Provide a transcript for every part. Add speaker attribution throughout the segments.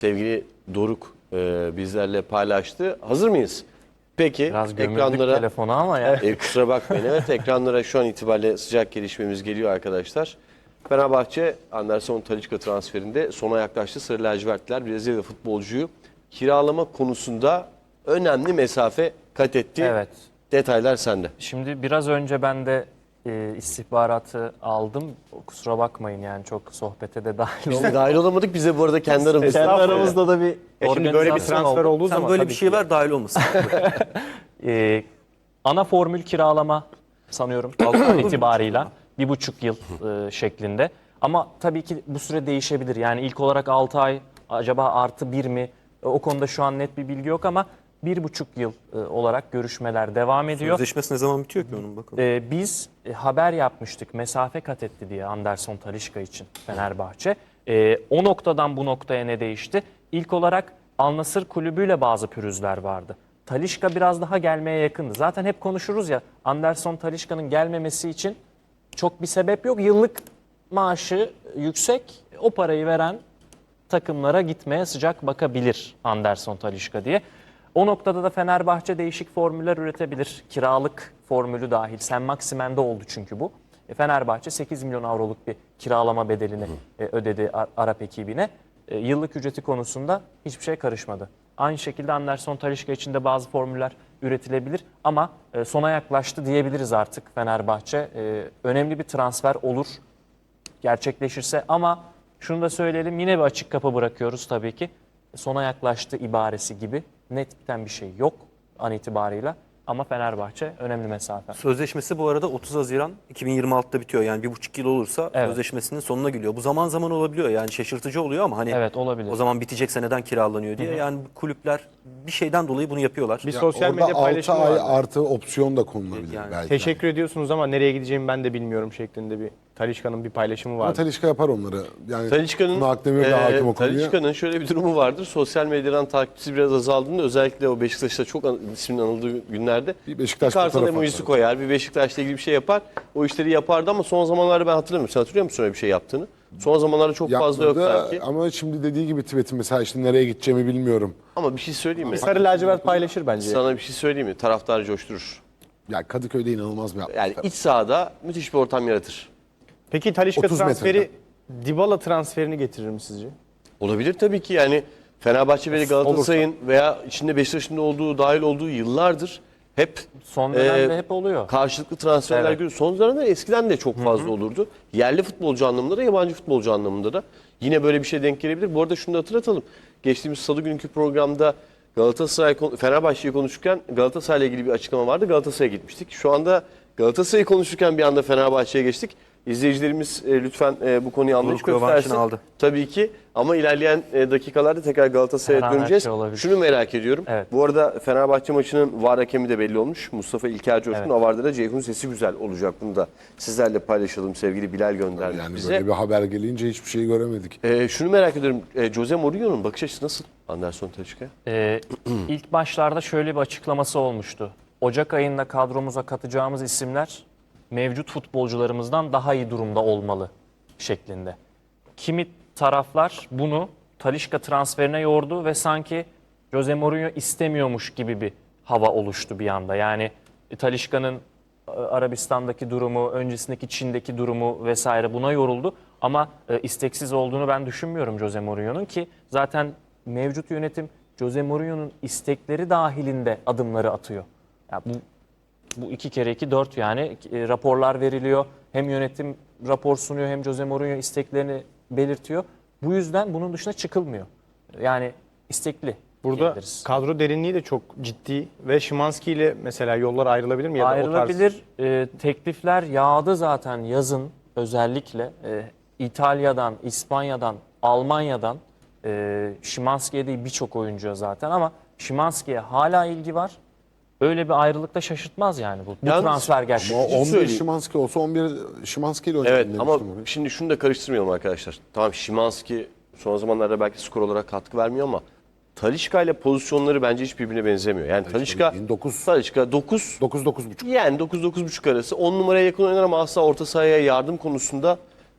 Speaker 1: sevgili Doruk bizlerle paylaştı. Hazır mıyız? Peki
Speaker 2: Biraz gömüldük
Speaker 1: ekranlara
Speaker 2: telefonu ama ya.
Speaker 1: kusura bakmayın. Evet, ekranlara şu an itibariyle sıcak gelişmemiz geliyor arkadaşlar. Fenerbahçe Anderson Talisca transferinde sona yaklaştı. Sarı lacivertliler Brezilya futbolcuyu kiralama konusunda önemli mesafe kat etti.
Speaker 2: Evet.
Speaker 1: Detaylar sende.
Speaker 2: Şimdi biraz önce ben de istihbaratı aldım. Kusura bakmayın yani çok sohbete de dahil
Speaker 1: Biz de
Speaker 2: olmadım.
Speaker 1: dahil olamadık, bize bu arada kendi aramızda.
Speaker 2: Kendi aramızda da bir
Speaker 3: Şimdi böyle bir
Speaker 2: organizasyon
Speaker 3: transfer
Speaker 2: oldu.
Speaker 3: olduğu
Speaker 4: Sen
Speaker 3: zaman
Speaker 4: böyle
Speaker 3: tabii
Speaker 4: bir şey
Speaker 3: ki.
Speaker 4: ver dahil olmasın.
Speaker 2: Ana formül kiralama sanıyorum an itibarıyla 1,5 yıl şeklinde. Ama tabii ki bu süre değişebilir. Yani ilk olarak 6 ay acaba artı 1 mi? O konuda şu an net bir bilgi yok ama 1,5 yıl olarak görüşmeler devam ediyor.
Speaker 4: Sözleşmesi ne zaman bitiyor ki onun bakalım.
Speaker 2: Biz haber yapmıştık mesafe kat etti diye Anderson Talisca için Fenerbahçe. O noktadan bu noktaya ne değişti? İlk olarak Al Nassr kulübüyle bazı pürüzler vardı. Talisca biraz daha gelmeye yakındı. Zaten hep konuşuruz ya Anderson Talisca'nın gelmemesi için çok bir sebep yok. Yıllık maaşı yüksek, o parayı veren takımlara gitmeye sıcak bakabilir Anderson Talisca diye. O noktada da Fenerbahçe değişik formüller üretebilir. Kiralık formülü dahil. Sen Maximen'de oldu çünkü bu. Fenerbahçe 8 milyon avroluk bir kiralama bedelini ödedi Arap ekibine. Yıllık ücreti konusunda hiçbir şey karışmadı. Aynı şekilde Anderson Talisca için de bazı formüller üretilebilir ama sona yaklaştı diyebiliriz artık Fenerbahçe. Önemli bir transfer olur gerçekleşirse ama şunu da söyleyelim, yine bir açık kapı bırakıyoruz tabii ki. Sona yaklaştı ibaresi gibi net biten bir şey yok an itibarıyla ama Fenerbahçe önemli mesafe.
Speaker 4: Sözleşmesi bu arada 30 Haziran 2026'da bitiyor. Yani 1,5 yıl olursa
Speaker 2: Evet.
Speaker 4: sözleşmesinin sonuna geliyor. Bu zaman zaman olabiliyor. Yani şaşırtıcı oluyor ama hani
Speaker 2: Evet, olabilir.
Speaker 4: o zaman bitecekse neden kiralanıyor diye. Yani kulüpler bir şeyden dolayı bunu yapıyorlar.
Speaker 3: Bir
Speaker 4: Ya,
Speaker 3: sosyal
Speaker 5: Orada
Speaker 3: medya
Speaker 5: 6
Speaker 3: paylaşımı
Speaker 5: ay
Speaker 3: vardı.
Speaker 5: artı opsiyon da konulabilir
Speaker 4: Yani
Speaker 5: belki.
Speaker 3: Teşekkür ediyorsunuz ama nereye gideceğimi ben de bilmiyorum şeklinde bir Talisca'nın bir paylaşımı
Speaker 5: Ama
Speaker 3: vardı.
Speaker 5: Talisca yapar onları. Yani
Speaker 1: Talisca'nın
Speaker 5: Tuna Akdemir de hakim o konuya.
Speaker 1: Talisca'nın şöyle bir durumu vardır. Sosyal medyadan takipçisi biraz azaldığında özellikle o Beşiktaş'ta çok isminin anıldığı günlerde
Speaker 5: Bir Beşiktaş
Speaker 1: kartal
Speaker 5: fotoğrafı
Speaker 1: emojisi
Speaker 5: atar.
Speaker 1: koyar, bir Beşiktaş'la ilgili bir şey yapar. O işleri yapardı ama son zamanlarda ben hatırlamıyorum. Sen hatırlıyor musun öyle bir şey yaptığını? Son zamanlarda çok fazla yok
Speaker 5: Yapmadı
Speaker 1: sanki.
Speaker 5: ama şimdi dediği gibi Tibet'in mesela işte nereye gideceğimi bilmiyorum.
Speaker 1: Ama bir şey söyleyeyim mi?
Speaker 3: Sarı lacivert paylaşır bence.
Speaker 1: Sana bir şey söyleyeyim mi? Taraftarı coşturur.
Speaker 5: Ya Kadıköy'de inanılmaz bir
Speaker 1: Yani iç sahada müthiş bir ortam yaratır.
Speaker 3: Peki Talisca
Speaker 5: 30
Speaker 3: transferi Dybala transferini getirir mi sizce?
Speaker 1: Olabilir tabii ki, yani Fenerbahçe ve Galatasaray'ın veya içinde Beşiktaş'ın da olduğu, dahil olduğu yıllardır hep
Speaker 2: Son dönemde hep oluyor.
Speaker 1: karşılıklı transferler
Speaker 2: Evet.
Speaker 1: görüyoruz. Son dönemde eskiden de çok fazla olurdu. Yerli futbolcu anlamında da yabancı futbolcu anlamında da yine böyle bir şey denk gelebilir. Bu arada şunu da hatırlatalım. Geçtiğimiz salı günkü programda Fenerbahçe'yi konuşurken Galatasaray'la ilgili bir açıklama vardı. Galatasaray'a gitmiştik. Şu anda Galatasaray'ı konuşurken bir anda Fenerbahçe'ye geçtik. İzleyicilerimiz lütfen bu konuyu anlayış
Speaker 4: Doruk rövanşını
Speaker 1: göstersin.
Speaker 4: aldı.
Speaker 1: Tabii ki ama ilerleyen dakikalarda tekrar Galatasaray'a
Speaker 2: Her an her
Speaker 1: döneceğiz.
Speaker 2: şey olabilir.
Speaker 1: Şunu merak ediyorum.
Speaker 2: Evet.
Speaker 1: Bu arada Fenerbahçe maçının VAR hakemi de belli olmuş. Mustafa İlker Coşkun.
Speaker 2: Evet.
Speaker 1: Avar'da da Ceyhun Sesi Güzel olacak. Bunu da sizlerle paylaşalım. Sevgili Bilal gönderdi
Speaker 5: Yani
Speaker 1: bize.
Speaker 5: böyle bir haber gelince hiçbir şey göremedik.
Speaker 1: Şunu merak ediyorum. Jose Mourinho'nun bakış açısı nasıl Anderson Talisca'ya?
Speaker 2: İlk başlarda şöyle bir açıklaması olmuştu. Ocak ayında kadromuza katacağımız isimler mevcut futbolcularımızdan daha iyi durumda olmalı şeklinde. Kimi taraflar bunu Talisca transferine yordu ve sanki Jose Mourinho istemiyormuş gibi bir hava oluştu bir anda. Yani Talisca'nın Arabistan'daki durumu, öncesindeki Çin'deki durumu vesaire buna yoruldu. Ama isteksiz olduğunu ben düşünmüyorum Jose Mourinho'nun ki zaten mevcut yönetim Jose Mourinho'nun istekleri dahilinde adımları atıyor. Yani bu 2 kere 2 4 yani raporlar veriliyor. Hem yönetim rapor sunuyor hem Jose Mourinho isteklerini belirtiyor. Bu yüzden bunun dışına çıkılmıyor. Yani istekli.
Speaker 3: Burada
Speaker 2: diyebiliriz.
Speaker 3: kadro derinliği de çok ciddi ve Szymański ile mesela yollar ayrılabilir mi? Ya da o tarz-
Speaker 2: Ayrılabilir. Teklifler yağdı zaten yazın özellikle. İtalya'dan, İspanya'dan, Almanya'dan Szymański'ye değil birçok oyuncuya zaten ama Szymański'ye hala ilgi var. Öyle bir ayrılıkta şaşırtmaz yani bu
Speaker 1: Yalnız-
Speaker 2: transfer
Speaker 5: Ama
Speaker 2: gerçekleşti.
Speaker 5: 11
Speaker 1: söyleyeyim.
Speaker 5: Szymański olsa 11 Szymański ile oynayalım
Speaker 1: Evet ama
Speaker 5: demiştim oraya.
Speaker 1: şimdi şunu da karıştırmayalım arkadaşlar. Tamam, Szymański son zamanlarda belki skor olarak katkı vermiyor ama Talisca ile pozisyonları bence hiç birbirine benzemiyor. Yani Talisca
Speaker 5: 9
Speaker 1: 9
Speaker 5: 9 9,5.
Speaker 1: yani 9-9.5 arası 10 numaraya yakın oynar ama asla orta sahaya yardım konusunda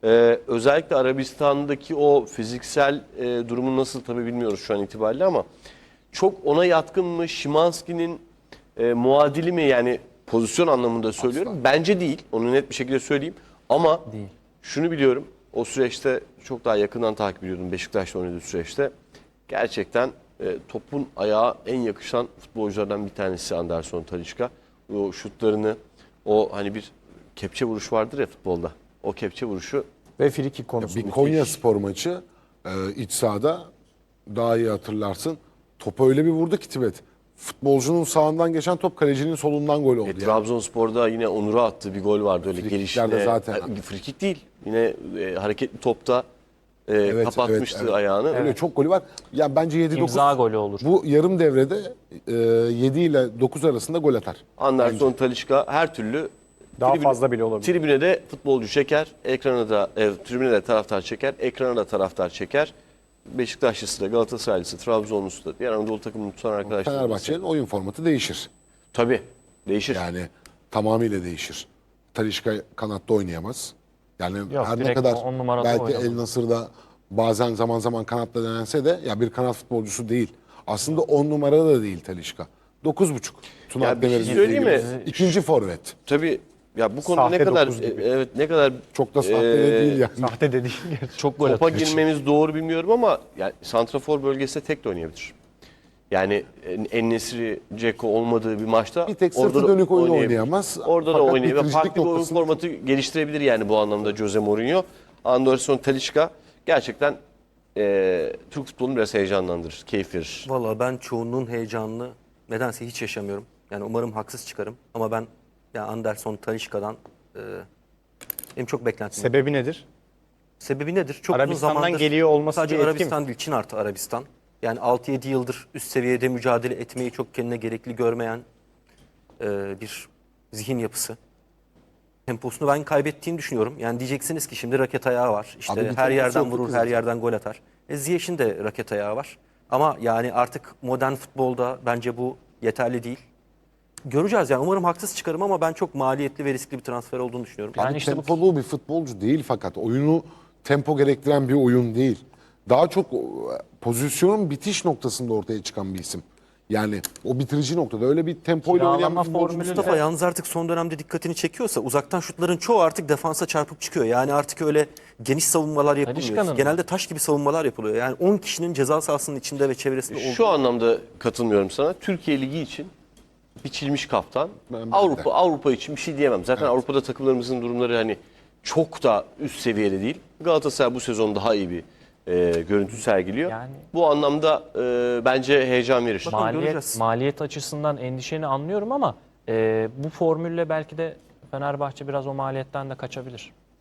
Speaker 1: Özellikle Arabistan'daki o fiziksel durumu nasıl tabii bilmiyoruz şu an itibariyle ama çok ona yatkın mı? Szymański'nin muadili mi? Yani pozisyon anlamında söylüyorum. Bence değil. Onu net bir şekilde söyleyeyim. Ama
Speaker 2: Değil.
Speaker 1: şunu biliyorum. O süreçte çok daha yakından takip ediyordum Beşiktaş'ta oynadığı süreçte. Gerçekten topun ayağa en yakışan futbolculardan bir tanesi Anderson Talisca. O şutlarını, o hani bir kepçe vuruş vardır ya futbolda. O kepçe vuruşu
Speaker 3: Ve frikik konusu.
Speaker 5: Bir Konya Spor maçı iç sahada daha iyi hatırlarsın. Topu öyle bir vurdu ki Tibet. Futbolcunun sağından geçen top kalecinin solundan gol oldu. Yani.
Speaker 1: Trabzonspor'da yine Onur'a attığı bir gol vardı öyle
Speaker 5: Frikiklerde
Speaker 1: gelişine.
Speaker 5: zaten.
Speaker 1: Frikik değil. Yine hareketli topta
Speaker 5: Evet,
Speaker 1: kapatmıştı
Speaker 5: evet, evet.
Speaker 1: ayağını.
Speaker 5: Öyle çok golü var. Ya bence 7-9
Speaker 2: İmza golü olur.
Speaker 5: bu yarım devrede 7 ile 9 arasında gol atar.
Speaker 1: Anderson Talisca her türlü
Speaker 3: Daha
Speaker 1: tribüne-
Speaker 3: fazla bile olabilir.
Speaker 1: Tribüne de futbolcu çeker, ekrana da tribüne de taraftar çeker, ekrana da taraftar çeker. Beşiktaşlısı da, Galatasaraylısı, Trabzonlusu da, diğer Anadolu takımını tutan arkadaşlar.
Speaker 5: Fenerbahçe'nin oyun formatı değişir.
Speaker 1: Tabii değişir.
Speaker 5: Yani tamamıyla değişir. Talisca kanatta oynayamaz. Yani
Speaker 2: Yok,
Speaker 5: her ne
Speaker 2: direkt
Speaker 5: kadar
Speaker 2: on numarada
Speaker 5: belki
Speaker 2: oynamaz.
Speaker 5: El Nasır'da bazen zaman zaman kanatta denense de ya bir kanat futbolcusu değil. Aslında 10 numarada da değil Talisca. 9,5. Tuna
Speaker 1: Ya bir şey
Speaker 5: Akdemir'in
Speaker 1: söyleyeyim
Speaker 5: dediği
Speaker 1: mi?
Speaker 5: gibi. İkinci forvet.
Speaker 1: Tabii ya bu konuda ne
Speaker 3: Sahte
Speaker 1: kadar
Speaker 3: dokuz gibi.
Speaker 1: evet ne kadar
Speaker 5: Çok da sahte de değil yani.
Speaker 3: Sahte dediğin gerçek.
Speaker 2: Çok gol
Speaker 1: topa
Speaker 2: atıyor.
Speaker 1: girmemiz doğru bilmiyorum ama yani santrafor bölgesinde tek de oynayabilir. Yani En-Nesyri, Dzeko olmadığı bir maçta
Speaker 5: Bir tek
Speaker 1: orada
Speaker 5: sırtı
Speaker 1: da
Speaker 5: dönük oyun
Speaker 1: oynayabilir.
Speaker 5: oynayamaz.
Speaker 1: Orada da
Speaker 5: Fakat
Speaker 1: oynayabilir.
Speaker 5: bitiricilik
Speaker 1: Farklı bir oyun
Speaker 5: noktasında
Speaker 1: formatı geliştirebilir yani bu anlamda Jose Mourinho. Anderson Talisca gerçekten Türk futbolunu biraz heyecanlandırır, keyif verir.
Speaker 4: Valla ben çoğunluğun heyecanını nedense hiç yaşamıyorum. Yani umarım haksız çıkarım. Ama ben ya Anderson Talisca'dan benim çok beklentim var.
Speaker 3: Sebebi nedir?
Speaker 4: Sebebi nedir? Çok uzun
Speaker 3: Arabistan'dan
Speaker 4: zamandır
Speaker 3: geliyor olması
Speaker 4: sadece
Speaker 3: bir etki
Speaker 4: Arabistan değil, Çin artı Arabistan. Yani 6-7 yıldır üst seviyede mücadele etmeyi çok kendine gerekli görmeyen bir zihin yapısı. Temposunu ben kaybettiğini düşünüyorum. Yani diyeceksiniz ki şimdi raket ayağı var. İşte
Speaker 5: Abi bir
Speaker 4: her
Speaker 5: temposu
Speaker 4: yerden
Speaker 5: yoktu
Speaker 4: vurur,
Speaker 5: ki
Speaker 4: her
Speaker 5: zaten.
Speaker 4: yerden gol atar. Ziyech'in de raket ayağı var. Ama yani artık modern futbolda bence bu yeterli değil. Göreceğiz yani. Umarım haksız çıkarım ama ben çok maliyetli ve riskli bir transfer olduğunu düşünüyorum.
Speaker 2: Yani
Speaker 5: Abi
Speaker 2: işte bu-
Speaker 5: tempolu bir futbolcu değil fakat oyunu tempo gerektiren bir oyun değil. Daha çok pozisyonun bitiş noktasında ortaya çıkan bir isim. Yani o bitirici noktada öyle bir tempoyla oynayan
Speaker 2: Kiralama
Speaker 5: bir futbolcu
Speaker 2: formülü de-
Speaker 4: Mustafa yalnız artık son dönemde dikkatini çekiyorsa uzaktan şutların çoğu artık defansa çarpıp çıkıyor. Yani artık öyle geniş savunmalar yapılmıyor.
Speaker 2: Talisca'nın
Speaker 4: Genelde taş gibi savunmalar yapılıyor. Yani 10 kişinin ceza sahasının içinde ve çevresinde olduğu.
Speaker 1: Şu anlamda katılmıyorum sana. Türkiye Ligi için biçilmiş kaftan.
Speaker 5: Ben de.
Speaker 1: Avrupa için bir şey diyemem. Zaten Avrupa'da takımlarımızın durumları hani çok da üst seviyede değil. Galatasaray bu sezon daha iyi bir görüntü sergiliyor.
Speaker 2: Yani-
Speaker 1: Bu anlamda bence heyecan verir.
Speaker 4: Bakalım. göreceğiz.
Speaker 2: Maliyet açısından endişeni anlıyorum ama bu formülle belki de Fenerbahçe biraz o maliyetten de kaçabilir.